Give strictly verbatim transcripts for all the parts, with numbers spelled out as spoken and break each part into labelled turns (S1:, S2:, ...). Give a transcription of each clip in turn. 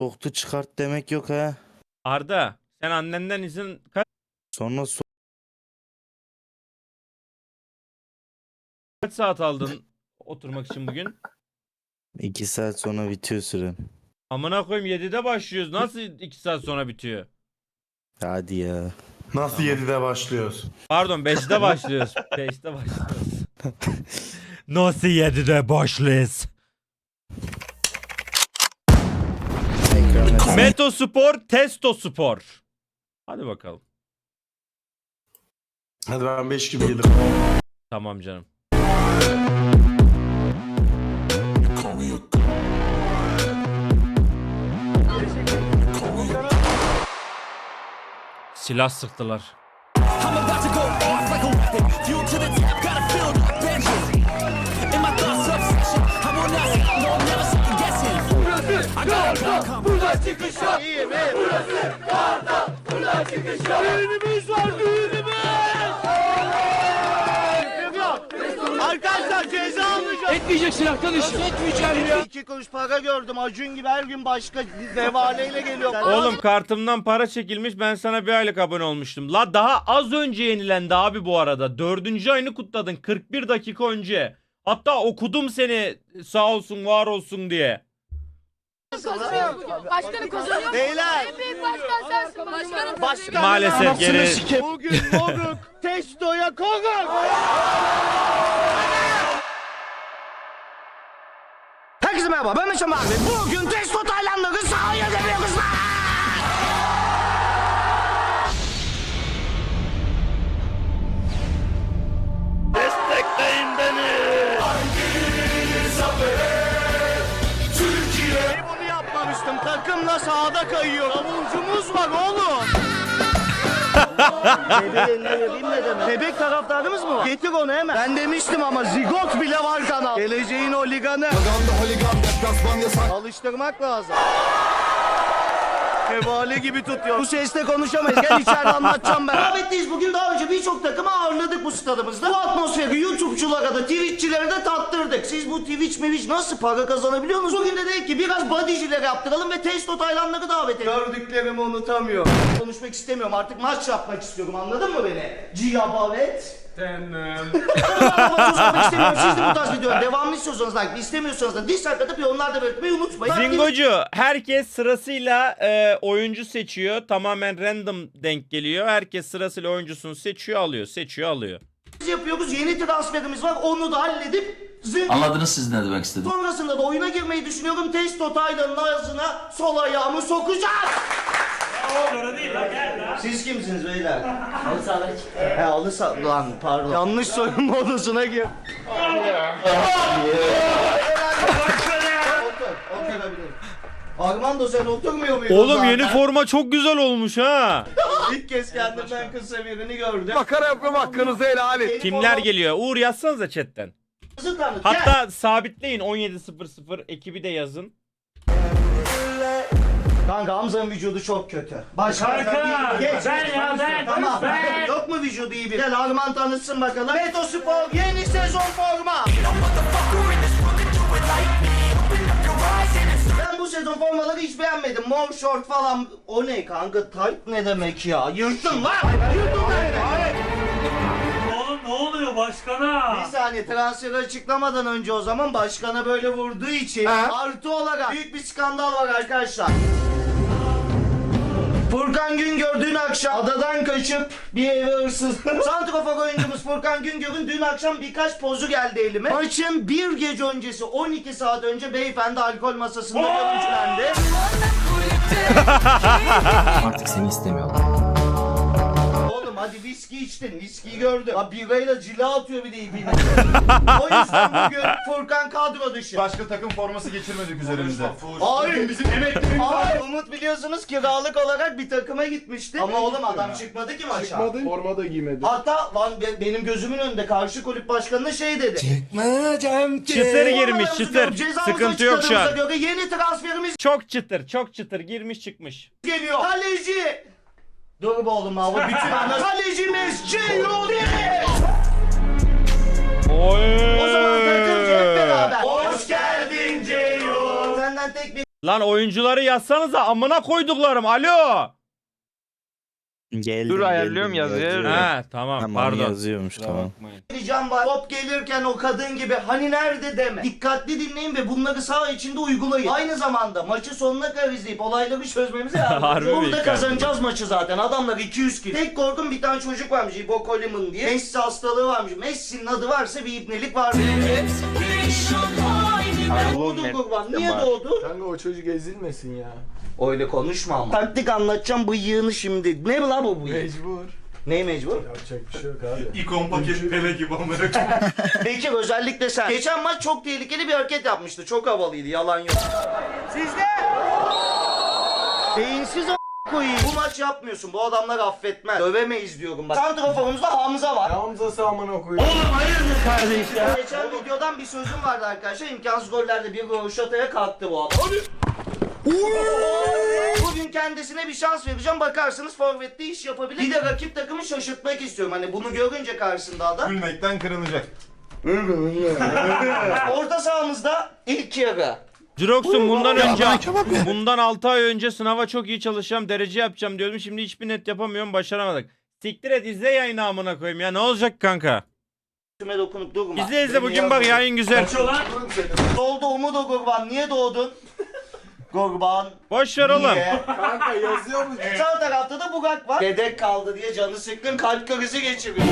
S1: Soktu çıkart demek yok ha.
S2: Arda sen annenden izin kaç,
S1: Sonra so
S2: kaç saat aldın oturmak için bugün?
S1: iki saat sonra bitiyor süren.
S2: Amına koyayım yedide başlıyoruz. Nasıl iki saat sonra bitiyor?
S1: Hadi ya.
S3: Nasıl
S2: Tamam.
S3: yedide başlıyoruz?
S2: Pardon beşte başlıyoruz. beşte başlıyoruz. Nasıl yedide başlıyoruz?
S1: Ekran versene.
S2: Metospor, testospor. Hadi bakalım.
S3: Hadi ben beş gibi gelirim.
S2: Tamam canım. Silah sıktılar.
S4: I'm about to go off like a weapon. Fuel to the top, gotta feel the vengeance. In my thoughts obsession, I will not stop, no, I'm never second guessing. I got a plan coming. Buradan çıkış yok. İyi mi? Burası Kartal. Buradan çıkış yok. Düğünümüz var, düğünümüz.
S5: Arkadaşlar ceza almayacağım.
S4: Etmeyecek silahtan iş. Etmeyeceğim ya.
S5: İki kuruş para gördüm. Acun gibi her gün başka devaleyle geliyor.
S2: Oğlum kartımdan para çekilmiş, ben sana bir aylık abone olmuştum. La daha az önce yenilendi abi bu arada. Dördüncü ayını kutladın kırk bir dakika önce. Hatta okudum seni sağ olsun var olsun diye.
S6: Başkanı kazanıyor.
S5: Beyler.
S6: En büyük başkan sensin. Başkanım.
S5: Başkan
S2: Maalesef geri...
S5: Bugün moruk testoya konuk. Herkese merhaba, ben Meşem abi. Bugün testo Taylandları sahaya geliyoruz lan. Destekleyin beni. Türkiye. Bunu yapmamıştım. Takımla sahada kayıyor. Davulcumuz var oğlum. Bebeğin ne vereyim ne demek? Bebek taraftarımız mı var? Getir onu hemen. Ben demiştim ama zigot bile var kanal. Geleceğin holiganı. Alıştırmak lazım. Hevale gibi tutuyor. Bu sesle konuşamayız. Gel içeride anlatacağım ben. Davetliyiz bugün. Daha önce birçok takımı ağırladık bu stadımızda. Bu atmosferi YouTube'culara da Twitch'çilere de tattırdık. Siz bu Twitch Twitch nasıl para kazanabiliyor musunuz? Bugün de dedik ki biraz bodyciler yaptıralım ve testo Taylandları davet edelim. Gördüklerimi unutamıyorum. Konuşmak istemiyorum. Artık maç yapmak istiyorum. Anladın mı beni? Cihabavet. Ama istemiyorum. Siz de bu tarz videoları devamlı istiyorsanız like, istemiyorsanız da dislike atıp yorumlarda belirtmeyi unutmayın.
S2: Zingocu herkes sırasıyla e, oyuncu seçiyor. Tamamen random denk geliyor. Herkes sırasıyla oyuncusunu seçiyor alıyor. Seçiyor alıyor.
S5: Biz yapıyoruz. Yeni transferimiz var. Onu da halledip zın...
S7: Anladınız siz ne demek istedim?
S5: Sonrasında da oyuna girmeyi düşünüyorum. Testo Taylan'ın ağzına sol ayağımı sokacağız. Siz kimsiniz beyler? Halı sahalar He halı saha... Lan pardon. Yanlış soyunma odasına gir. Otur. Oturabilirim. Armando sen oturmuyor muydun
S2: Oğlum
S5: zaten?
S2: yeni forma çok güzel olmuş ha.
S5: İlk kez kendimden kısa birini gördüm.
S3: Makara yapıyorum, hakkınızı helal edin.
S2: Kimler geliyor? Uğur yazsanıza chatten. Hatta sabitleyin on yedi sıfır sıfır ekibi de yazın.
S5: Kanka Hamza'nın vücudu çok kötü. Başka Geç, ben ya ben. Tamam. Ben. Yok mu vücudu iyi bir? Gel Arman tanıtsın bakalım. Metospor yeni sezon forma. Ben bu sezon formaları hiç beğenmedim. Mor short falan. O ne kanka? Tight ne demek ya? Yırttın lan. Yırttın lan.
S8: Oğlum ne oluyor başkana?
S5: Bir saniye transferi açıklamadan önce o zaman başkana böyle vurduğu için artı olarak büyük bir skandal var arkadaşlar. Furkan Güngör dün akşam adadan kaçıp bir eve hırsız. Santrafor oyuncumuz Furkan Güngör'ün dün akşam birkaç pozu geldi elime. Maçın bir gece öncesi on iki saat önce beyefendi alkol masasında görüntülendi.
S7: Artık seni istemiyorlar.
S5: Oğlum hadi viski içtin, viskiyi gördüm. Ha birayla cila atıyor bir de iyi bilmiyorum. O yüzden bugün Furkan kadro dışı.
S3: Başka takım forması geçirmedik üzerimizde.
S5: Hayır.
S3: Bizim emeklerimiz
S5: Hayır. Umut biliyorsunuz kiralık olarak bir takıma gitmişti. Ama oğlum adam çıkmadı ki maça.
S3: Çıkmadı. Forma da giymedi.
S5: Hatta lan be- benim gözümün önünde karşı kulüp başkanına şey dedi.
S3: Çıkmayacağım ki.
S2: Çıtır girmiş
S5: Formalarımızı
S2: çıtır.
S5: görüp cezamızı
S2: Sıkıntı yok şu an.
S5: açıkladığımıza göre yeni transferimiz
S2: Çok çıtır çok çıtır girmiş çıkmış.
S5: geliyor. Kaleci. Dur be oğlum abi bütün ana. Kalecimiz Ceyhudi.
S2: Oy.
S5: O zaman takımcı hep beraber. Hoş geldin Ceyhun. Senden tek bir
S2: Lan oyuncuları yazsanıza amına koyduklarım. Alo.
S1: Geldim,
S9: Dur, ayarlıyorum,
S1: geldim,
S9: yazıyorum.
S1: yazıyorum.
S2: Ha tamam,
S1: Tamam,
S2: pardon.
S1: yazıyormuş tamam.
S5: Ricam var. Top gelirken o kadın gibi hani nerede deme. Dikkatli dinleyin ve bunları saha içinde uygulayın. Aynı zamanda maçı sonuna kadar izleyip olayları çözmemize
S2: Harbi
S5: yardımcı.
S2: mi
S5: Burada
S2: dikkat
S5: kazanacağız maçı zaten. Adamlar iki yüz kilo. Tek korkum bir tane çocuk varmış. İbo Coleman diye. Messi hastalığı varmış. Messi'nin adı varsa bir ibnelik var. Doğdu kurban. Niye doğdu?
S3: Kanka o çocuk ezilmesin ya.
S5: Öyle konuşma ama. Taktik anlatacağım bıyığını şimdi. Ne la bu bıyık?
S3: Mecbur.
S5: Ne mecbur?
S3: Yapacak bir şey yok abi.
S8: İkon paket pele gibi amına.
S5: Bekir özellikle sen. Geçen maç çok tehlikeli bir hareket yapmıştı. Çok havalıydı. Yalan yok. Sizde. Beyinsiz a** koyayım. Bu maç yapmıyorsun. Bu adamlar affetmez. Dövemeyiz diyorum bak. Santraforumuzda Hamza var.
S3: Hamza'sı amına koyayım.
S5: Ya. Geçen videodan bir sözüm vardı arkadaşlar. İmkansız gollerde bir Roşata'ya kalktı bu adam. Bugün kendisine bir şans vereceğim. Bakarsınız forvette iş yapabilir. Bir de rakip takımı şaşırtmak istiyorum. Hani bunu görünce karşısında adam.
S3: Gülmekten kırılacak.
S5: Orta sahamızda ilk yarı.
S2: Jirox'um bundan önce bundan altı ay önce sınava çok iyi çalışacağım, derece yapacağım diyordum. Şimdi hiçbir net yapamıyorum, başaramadık. Siktir et, izle yayını amına koyayım ya. Ne olacak kanka?
S5: Üstüme dokunup durma.
S2: İzle izle, bugün bak yayın güzel.
S8: Kaçıyor lan.
S5: Doğdu Umut o Gurban. Niye doğdun? Gurban.
S2: Boş ver oğlum.
S5: Niye?
S3: Kanka yazıyor mu?
S5: Sağ tarafta da Burak var. Dedek kaldı diye canı sıkkın kalp krizi geçiriyor.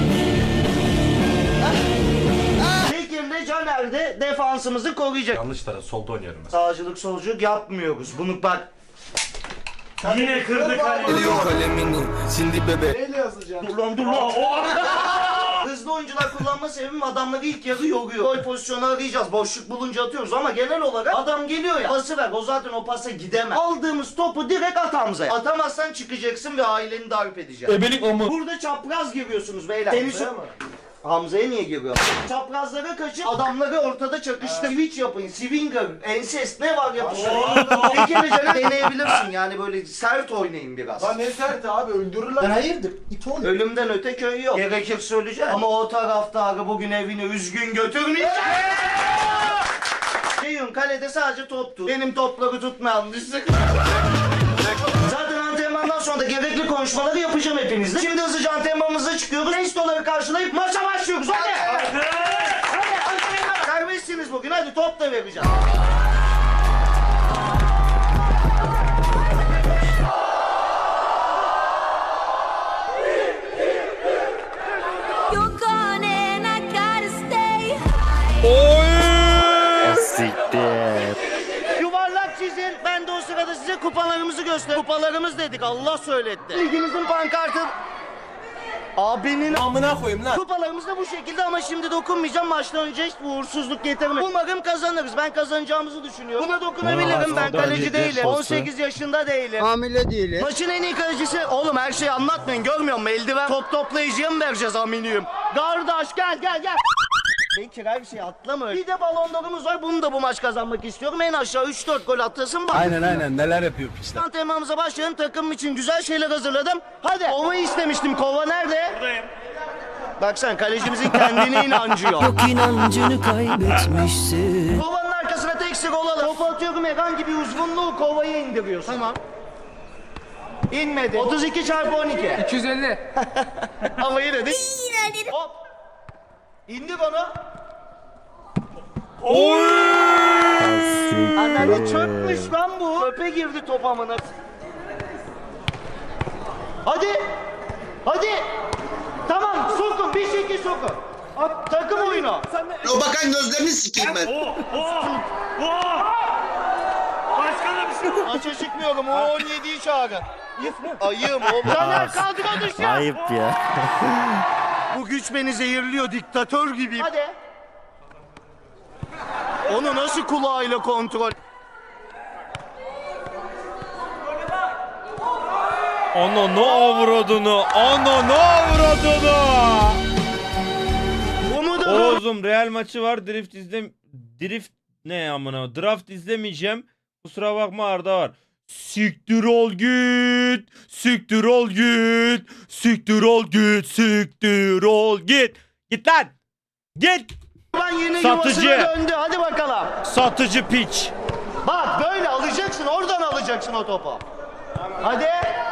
S5: Bekir'le Caner de defansımızı koruyacak.
S3: Yanlış taraf solda oynuyorum ben.
S5: Sağcılık solculuk yapmıyoruz. Bunu bak.
S8: Yine kırdı kalemi.
S3: Neyle yazacaksın?
S5: Dur lan dur lan. Hızlı oyuncular kullanma sebebim adamları ilk yarı yoruyor. Gol pozisyonu arayacağız. Boşluk bulunca atıyoruz ama genel olarak adam geliyor ya. Pası ver. O zaten o pasa gidemez. Aldığımız topu direkt at Hamza'ya. Atamazsan çıkacaksın ve aileni darp edeceksin.
S9: Ebelik o mu?
S5: Burada çapraz giriyorsunuz beyler. Seni
S3: Hamza'ya
S5: so-
S3: mı?
S5: Hamza'ya niye giriyor? Çaprazlara kaçıp adamları ortada çakıştır. Switch yapın. Swinger, ensest ne var yapıştır. Bir kere canım deneyebilirsin yani böyle sert oynayın biraz.
S3: Lan ne sert abi öldürürler. Ben hayırdır? İt oğlum.
S5: Ölümden öte köy yok. Gerekirse öleceğim. Ama o taraftarı bugün evine üzgün götürmeyecek. Ceyhun kalede sadece top tut. Benim topları tutmayan düşsün. Zaten antrenmandan sonra da gerekli konuşmaları yapacağım hepinizle. Şimdi hızlıca antrenmanımıza çıkıyoruz. Testoları karşılayıp maça başlıyoruz. Hadi. Hadi antrenman. Serbestsiniz bugün. Hadi top da vereceğim.
S6: You're gone and I gotta stay.
S2: Oy!
S1: Siktir.
S5: Yuvarlak çizin. Ben de o sırada size kupalarımızı göster. Kupalarımız dedik. Allah söyletti. Ligimizin pankartı. Abinin
S9: Amına koyayım lan.
S5: kupalarımız da bu şekilde ama şimdi dokunmayacağım. Maçtan önce hiç uğursuzluk getirmez. Umarım kazanırız. Ben kazanacağımızı düşünüyorum. Buna dokunabilirim. Ben kaleci değilim. on sekiz yaşında değilim.
S3: Hamile değilim.
S5: Maçın en iyi kalecisi. Oğlum her şeyi anlatmayın. Görmüyor musun? Eldiven top toplayıcıya mı vereceğiz aminiyim? Kardeş gel gel gel. Bekir her şeyi atlama. Bir de balonlarımız var. Bunu da bu maç kazanmak istiyorum. En aşağı üç dört gol atasın var.
S9: Aynen aynen neler yapıyor işte.
S5: Antrenmanımıza başlayalım. Takım için güzel şeyler hazırladım. Hadi. Kovayı istemiştim. Kova nerede?
S8: Buradayım.
S5: Bak sen kalecimizin kendine inancı yok.
S4: inancını kaybetmişsin.
S5: Kovanın arkasına tek sık olalım. Topu atıyorum herhangi bir uzunluğu kovaya indiriyorsun. Tamam. İnmedi. otuz iki çarpı on iki.
S9: iki yüz elli.
S5: Ama yine de. Hop. İndir onu.
S1: Siktir.
S5: Anneanne çökmüş lan bu. Çöpe girdi top amına. Hadi. Hadi. Tamam sokun bir şekil sokun. At, takım oyunu.
S3: O bakan gözlerini sikeyim ben.
S8: Oh oh oh. Başkanım.
S5: Maça çıkmıyorum. O on yediyi çağırın. Ayığım oğlum. Caner kadro dışı.
S1: Ayıp ya.
S5: Bu güç beni zehirliyor. Diktatör gibiyim. Hadi. Onu nasıl kulağıyla kontrol?
S2: Ana ne avradını, ana ne avradını.
S5: Umut'u
S2: Oğuzum Real maçı var, drift izle... Drift ne amına, draft izlemeyeceğim. Kusura bakma Arda var. Siktir ol git, siktir ol git, siktir ol git, siktir ol git. Git lan, git.
S5: ben yeni
S2: Satıcı.
S5: yuvasına döndü. Hadi bakalım.
S2: Satıcı piç.
S5: Bak böyle alacağım. alacaksın, oradan alacaksın o topu. Hadi.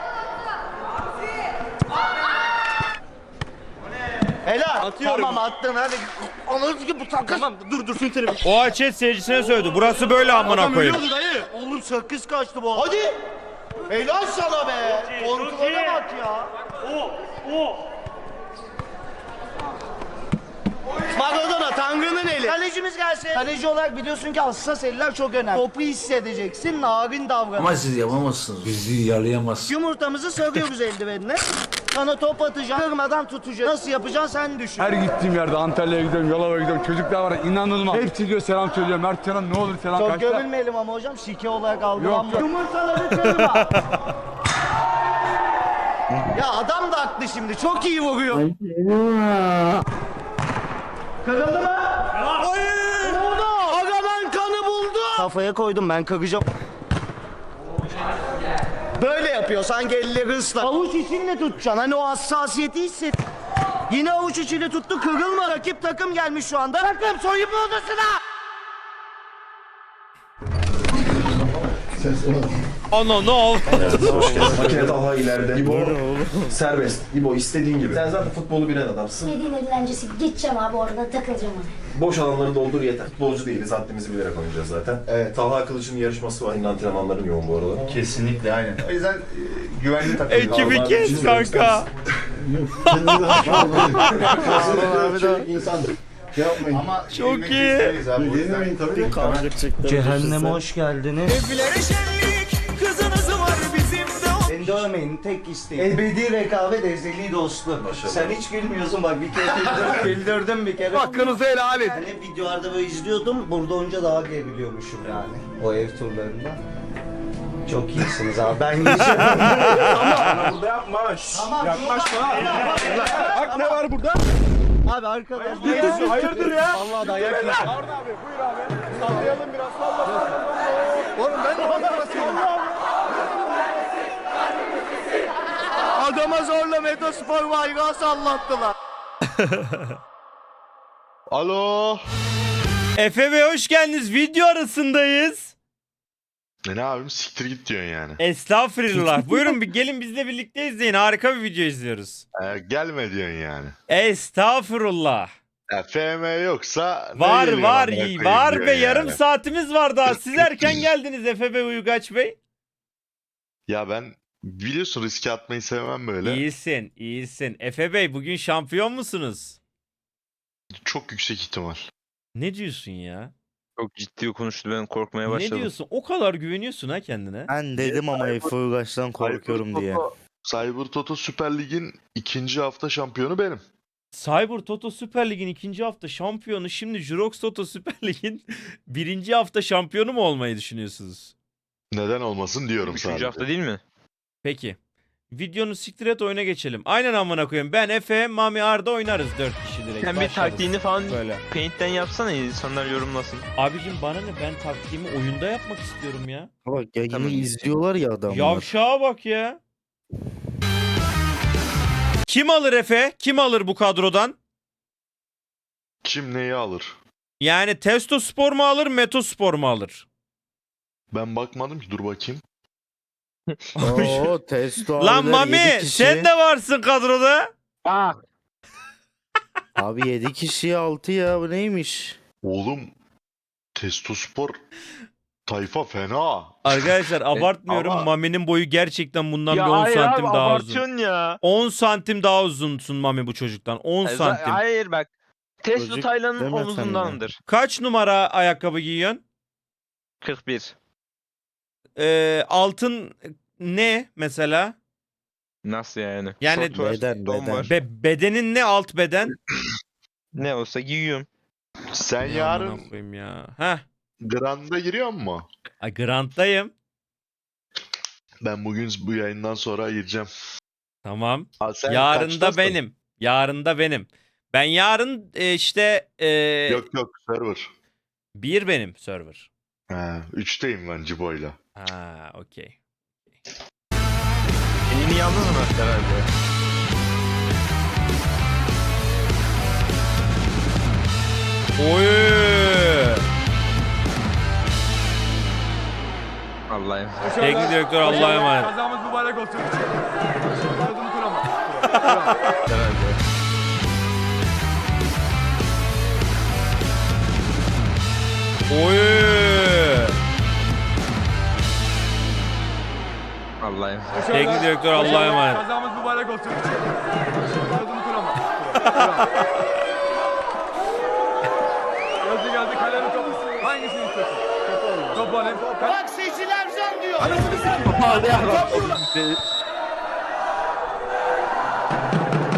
S5: Helal.
S3: Atıyorum.
S5: Tamam attın hadi. Anladın ki bu takas.
S3: Tamam dur dur şunu terim.
S2: O chat seyircisine söyledi. Burası böyle amına koyayım.
S3: Ölüyordu dayı.
S5: Oğlum sakız kaçtı bu. Hadi. Helal sana be. Kontrole bak ya.
S8: O, o.
S5: Maradona Tanrı'nın eli. Kalecimiz gelsin. Kaleci olarak biliyorsun ki hassas eller çok önemli. Topu hissedeceksin, narin davran.
S7: Ama siz yapamazsınız. Bizi yalayamazsınız.
S5: Yumurtamızı sarıyoruz eldivenine. Sana top atacağım, kırmadan tutacağım. Nasıl yapacaksın sen düşün.
S9: Her gittiğim yerde Antalya'ya gidiyorum, Yalova'ya gidiyorum. Çocuklar var inanılmaz. Hepsi diyor selam söylüyor. Mert Canan ne olur selam
S5: Çok
S9: kaçta.
S5: gömülmeyelim ama hocam, şike olarak algılanma.
S9: Yok, yok.
S5: Yumurtaları kırma. Ya adam da haklı şimdi, çok iyi vuruyor. Kırıldı mı? Hayır! Oldu! Agamen kanı buldu! Kafaya koydum ben, kıracağım. Böyle yapıyor, sanki elleri ıslak. Avuç içinle tutacaksın, hani o hassasiyeti hisset. Yine avuç içiyle tuttu, kırılma. Rakip takım gelmiş şu anda. Takım soyunma odasına!
S2: Ana ne oldu?
S3: Makine daha ileride. İbo serbest. İbo istediğin gibi. Sen zaten futbolu bilen adamsın.
S6: Dediğin öğrencisi gideceğim abi orada takılacağım abi.
S3: Boş alanları doldur yeter. Futbolcu değiliz. Haddimizi bilerek oynayacağız zaten. Evet. Talha Kılıç'ın yarışması var. Yine antrenmanların yoğun bu aralar. Kesinlikle aynen. O yüzden e, güvenli takım.
S2: Ekibi kes kanka.
S3: Ama
S2: Çok iyi.
S3: Yenemeyin tabii.
S5: Cehenneme hoş geldiniz. Beni dövmeyin, tek isteğim. Ebedi rekabet, ezeli dostluk. Sen hiç gülmüyorsun bak, bir kere güldürdüm, güldürdüm bir kere.
S9: Hakkınızı helal edin.
S5: Yani hep videolarda böyle izliyordum, burada olunca daha gelebiliyormuşum yani. O ev turlarında. Çok iyisiniz abi, ben yiyeceğim.
S3: Burada yapma.
S5: Tamam,
S3: Yaklaşma. Bak ne var burada?
S5: Abi arkadaş.
S3: Hayırdır ya? Allah dayak yiyeceğim. Harun abi buyur abi. Sallayalım biraz salla. Oğlum ben de bana basıyorum.
S5: Adama zorla Metospor bayrağı sallattılar.
S10: Alo.
S2: Efe Bey hoş geldiniz. Video arasındayız.
S10: Ne, ne abim siktir git diyorsun yani.
S2: Estağfurullah. Buyurun bir gelin bizle birlikte izleyin. Harika bir video izliyoruz.
S10: Ee, gelme diyorsun yani.
S2: Estağfurullah.
S10: Ya, F M yoksa ne
S2: Var
S10: geliyor
S2: var
S10: amına
S2: iyi
S10: koyayım
S2: var
S10: diyorsun
S2: be yarım
S10: yani.
S2: saatimiz var daha. Siz erken geldiniz Efe Bey, Uygaç Bey.
S10: Ya ben biliyorsun riske atmayı sevmem böyle.
S2: İyisin iyisin. Efe Bey bugün şampiyon musunuz?
S10: Çok yüksek ihtimal.
S2: Ne diyorsun ya?
S11: Çok ciddi konuştu, ben korkmaya
S2: Ne
S11: başladım.
S2: diyorsun? O kadar güveniyorsun ha kendine.
S1: Ben dedim ama Efe Uygaç'tan korkuyorum diye.
S10: Cyber Toto Süper Lig'in ikinci hafta şampiyonu benim.
S2: Cyber Toto Süper Lig'in ikinci hafta şampiyonu, şimdi Jurox Toto Süper Lig'in birinci hafta şampiyonu mu olmayı düşünüyorsunuz?
S10: Neden olmasın diyorum
S11: Üçüncü
S10: sadece.
S11: hafta değil mi?
S2: Peki. Videonu siktir et, oyuna geçelim. Aynen amına koyayım. Ben Efe, Mami, Arda oynarız dört kişi direkt.
S11: Sen bir
S2: Başlarız.
S11: taktiğini falan
S2: Böyle.
S11: Paint'ten yapsana, insanlar yorumlasın.
S2: Abicim bana ne, ben taktiğimi oyunda yapmak istiyorum ya.
S1: Bak yayını
S11: Tamam.
S1: izliyorlar ya adamlar.
S2: Yavşağa bak ya. Kim alır Efe? Kim alır bu kadrodan?
S10: Kim neyi alır?
S2: Yani Testo Spor mu alır, Meto Spor mu alır?
S10: Ben bakmadım ki, dur bakayım.
S1: Oo testo
S2: Lan
S1: abiler
S2: Mami
S1: yedi kişi.
S2: sen de varsın kadroda.
S1: Abi yedi kişi altı ya, bu neymiş?
S10: Oğlum Testospor tayfa fena.
S2: Arkadaşlar abartmıyorum.
S10: ama-
S2: Mami'nin boyu gerçekten bundan
S11: Ya
S2: bir on
S11: hayır
S2: santim
S11: abi,
S2: daha uzun.
S11: abartıyorsun ya.
S2: on santim daha uzunsun Mami bu çocuktan. on
S11: Hayır,
S2: santim.
S11: Hayır bak. Testo
S1: Çocuk
S11: Taylan'ın
S1: deme sen
S11: omuzundandır.
S2: Kaç numara ayakkabı giyiyorsun?
S11: kırk bir.
S2: Ee, altın ne mesela?
S11: Nasıl yani?
S2: Yani-
S11: Şort var,
S1: Beden,
S11: don
S1: beden.
S11: var.
S2: Be- bedenin ne, alt beden?
S11: Ne olsa giyiyorum.
S10: Sen
S2: Ya
S10: yarın
S2: amına koyayım ya. Heh.
S10: Grand'a giriyor mu?
S2: Ay, Grant'tayım.
S10: Ben bugün bu yayından sonra gireceğim.
S2: Tamam.
S10: Ha, sen
S2: Yarın da
S10: kaçtasın?
S2: benim. Yarın da benim. Ben yarın e, işte e,
S10: Yok yok server.
S2: bir benim server.
S10: Ha, üçteyim ben Cibo'yla.
S2: Ha, okey.
S11: Elini yalnız mı herhalde?
S2: Oy!
S11: Allah'ım.
S2: Teknik direktör Allah'a emanet.
S9: Kazamız mübarek olsun. Sözümü kurama.
S11: Herhalde.
S2: Oy.
S11: Allah'ım.
S2: Teknik direktör Allah'a emanet.
S9: Kazamız mübarek olsun. Sözümü kurama. Gözü geldi kalemi topu. Hangisini istiyorsun? Topu alayım. Topu alayım.
S5: Bak seyirciler zan diyor.
S9: Anasını s***.